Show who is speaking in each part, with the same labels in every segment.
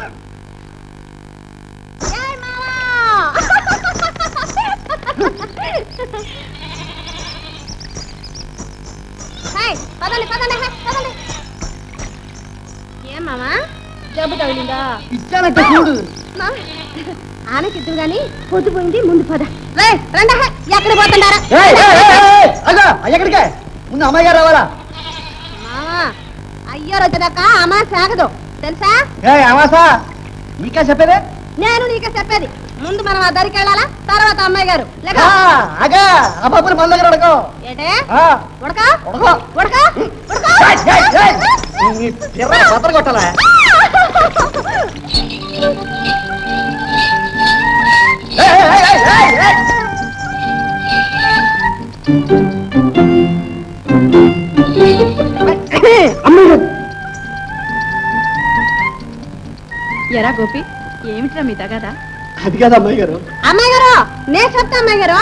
Speaker 1: ఏం మామా జబ్బు తగిలిందా?
Speaker 2: ఇచ్చానంటే చూడు.
Speaker 1: ఆనకిద్దు గాని పొద్దుపోయింది, ముందు పద. రండి, ఎక్కడ పోతున్నారా?
Speaker 2: ఎక్కడికే? ముందు అమ్మాయి గారు రావాలా?
Speaker 1: మామా అయ్యారు వచ్చేదాకా అమ్మా సాగదు తెలుసా?
Speaker 2: అమాసా నీకే చెప్పేదే?
Speaker 1: నేను నీకే చెప్పేది. ముందు మనం ఆ దరికి వెళ్ళాలా, తర్వాత అమ్మాయి గారు.
Speaker 2: అగా అబ్బాయి మన దగ్గర అడగో.
Speaker 1: ఏంటే ఉడక
Speaker 2: ఉడకో.
Speaker 1: ఉడక
Speaker 2: బద్దలు కొట్టాలా?
Speaker 3: ఎరా గోపి, ఏమిట్రా మీ తగదా?
Speaker 2: అది కాదు అమ్మాయి గారు.
Speaker 1: అమ్మాయి గారు నేను చెప్తా. అమ్మాయి గారు,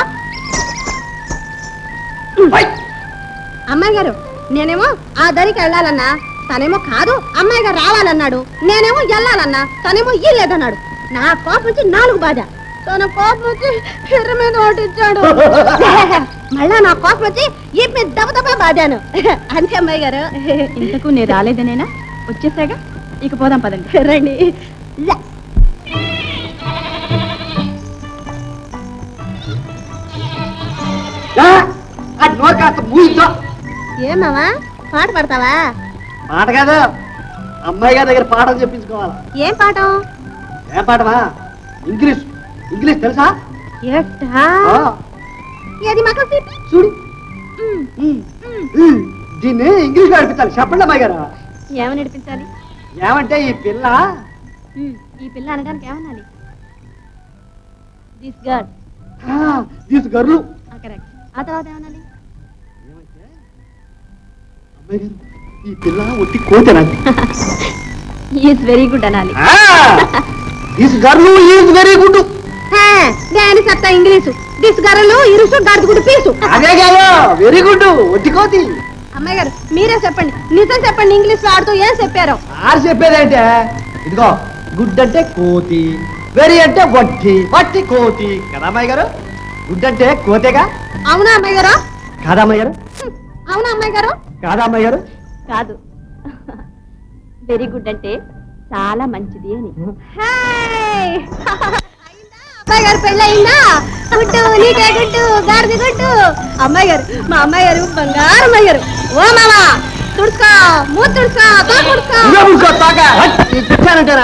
Speaker 1: అమ్మాయి గారు నేనేమో ఆ దరికి వెళ్ళాలన్నా, తనేమో కాదు అమ్మాయి గారు రావాలన్నాడు. నేనేమో వెళ్ళాలన్నా, తనేమో ఇల్లేదన్నాడు. నా కోపం వచ్చి 4 బాధ, తన కోపం వచ్చి ఎర్ర మీద ఓటిచ్చాడు. మళ్ళా నా కోపం వచ్చి ఈ మీద దెబ్బ బాధాను. అంతే అమ్మాయి గారు.
Speaker 3: ఇంతకు నేను రాలేదనేనా? వచ్చేసాగా, ఇక పోదాం పదండి.
Speaker 1: రండి. ఏమావా పాట పడతావా?
Speaker 2: పాట కాదు, అమ్మాయి గారి దగ్గర పాఠం చెప్పించుకోవాలి.
Speaker 1: ఏం పాఠం?
Speaker 2: ఏం పాఠమా? ఇంగ్లీష్. ఇంగ్లీష్ తెలుసా?
Speaker 1: ఏది మాకు
Speaker 2: చూడు. దీన్ని ఇంగ్లీష్ లో నడిపించాలి. చెప్పండి అమ్మాయి గారు.
Speaker 3: ఏమని నడిపించాలి?
Speaker 2: ఏమంటే ఈ పిల్ల
Speaker 3: అనడానికి ఏమనాలి? This girl.
Speaker 2: This girl.
Speaker 3: Correct. ఆ తర్వాత ఏమనాలి?
Speaker 2: అమ్మాయి గారు, ఈ పిల్ల ఒట్టి కోతేనా?
Speaker 3: ఈజ్ వెరీ గుడ్ అనాలి.
Speaker 2: This girl is very good.
Speaker 1: దాని సత్తా ఇంగ్లీషు. దిస్ గర్లు ఇరుసు గడుగుడు పీసు.
Speaker 2: అదే కాదు, వెరీ గుడ్ ఒట్టి కోతి.
Speaker 1: అమ్మాయి గారు మీరే చెప్పండి, నిజం చెప్పండి. ఇంగ్లీష్ ఆడుతూ ఏం చెప్పారు?
Speaker 2: ఆరు చెప్పేదంటే ఇదిగో, గుడ్ అంటే కోతి, వెరీ అంటే వట్టి, వట్టి కోతి కదా అమ్మాయి గారు? గుడ్ అంటే కోతేగా?
Speaker 1: అవునా అమ్మాయి గారు?
Speaker 2: కాదా అమ్మాయి గారు?
Speaker 1: అవునా అమ్మాయి గారు?
Speaker 2: కాదా అమ్మాయి గారు?
Speaker 3: కాదు, వెరీ గుడ్ అంటే చాలా మంచిది అని.
Speaker 1: అమ్మాయి గారు పెళ్ళి అయిందా? గుడ్డు నీకే గుడ్డు, గాడిది గుడ్డు. అమ్మాయి గారు, మా అమ్మాయి గారు బంగారు అమ్మాయి గారు. ఓ మామా తుడుచుకో, మూతి తుడుచుకో,
Speaker 2: తుడుచుకో.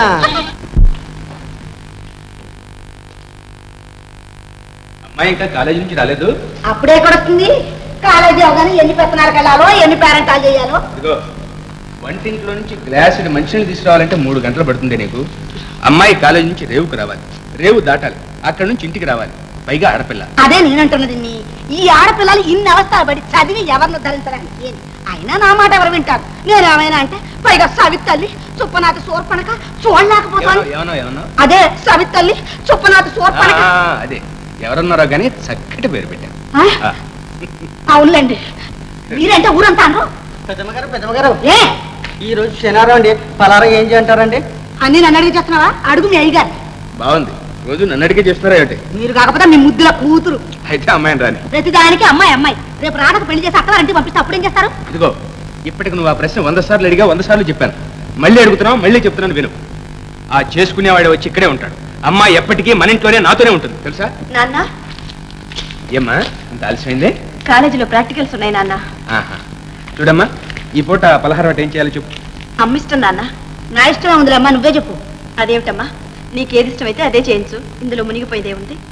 Speaker 4: అమ్మాయి ఇంకా కాలేజీ నుంచి రాలేదు.
Speaker 1: అప్పుడే కొడుతుంది. కాలేజీ అవగానే ఎన్ని పెత్తనాలకు వెళ్ళాలో, ఎన్ని పేరెంటాలు చేయాలో.
Speaker 4: ఇదిగో, వంటింట్లో నుంచి గ్లాసుడు మంచినీళ్ళు తీసుకురావాలంటే 3 గంటలు పడుతుంది నీకు. అమ్మాయి కాలేజీ నుంచి రేవుకు రావాలి, రేవు దాటాలి, అక్కడ నుంచి ఇంటికి రావాలి, పైగా ఆడపిల్ల.
Speaker 1: అదే నేనంటున్నది. ఈ ఆడపిల్లలు ఇన్ని అవస్థలు పడి చదివి ఎవరిని ధరించడానికి? అయినా నా మాట ఎవరు వింటారు? నేనేమైనా అంటే పైగా సవితల్లి చుప్పనాథ సోర్పణక చూడలేకపోతాను. అదే సవితల్లి చుప్పనాథ సోర్పణక.
Speaker 4: అదే ఎవరన్నారో గానీ చక్కటి పేరు పెట్టాను.
Speaker 1: అవునులేండి, మీరంటే ఊరంతా
Speaker 2: పెద్దమ్మగారు ఏ ఈ రోజు శనివారం అండి, పలారం ఏం చేయంటారండి?
Speaker 1: అన్ని నన్ను అడిగి చేస్తున్నావా? అడుగు మీ అయ్యగారు.
Speaker 4: బాగుంది, రోజు నన్ను అడిగే చేస్తున్నారా ఏంటి?
Speaker 1: మీరు కాకపోతే మీ ముద్దుల కూతురు.
Speaker 4: అయితే అమ్మాయిని రాని.
Speaker 1: ప్రతిదానికి అమ్మాయి అమ్మాయి. రేపు రాడక పెళ్లి చేసి అక్కడ ఇంటికి పంపిస్తే అప్పుడేం చేస్తారు?
Speaker 4: ఇదిగో, ఇప్పటికి నువ్వు ఆ ప్రశ్న 100 సార్లు అడిగా, 100 సార్లు చెప్పాను. మళ్ళీ అడుగుతున్నావు, మళ్ళీ చెప్తున్నాను విను. ఆ చేసుకునేవాడు వచ్చి ఇక్కడే ఉంటాడు. అమ్మాయి ఎప్పటికీ మన ఇంట్లోనే నాతోనే ఉంటుంది, తెలుసా?
Speaker 3: నాన్న,
Speaker 4: ఏమ్మా ఇంత ఆలస్యమైంది?
Speaker 3: కాలేజీలో ప్రాక్టికల్స్ ఉన్నాయి నాన్న.
Speaker 4: చూడమ్మా, ఈ పూట పలహారం ఏం చేయాలో చెప్పు.
Speaker 3: అమ్మిష్టం నాన్న.
Speaker 1: నా ఇష్టమే ఉందిలేమ్మా, నువ్వే చెప్పు.
Speaker 3: అదేమిటమ్మా, నీకేది ఇష్టమైతే అదే చేయించు, ఇందులో మునిగిపోయేదే ఉంది.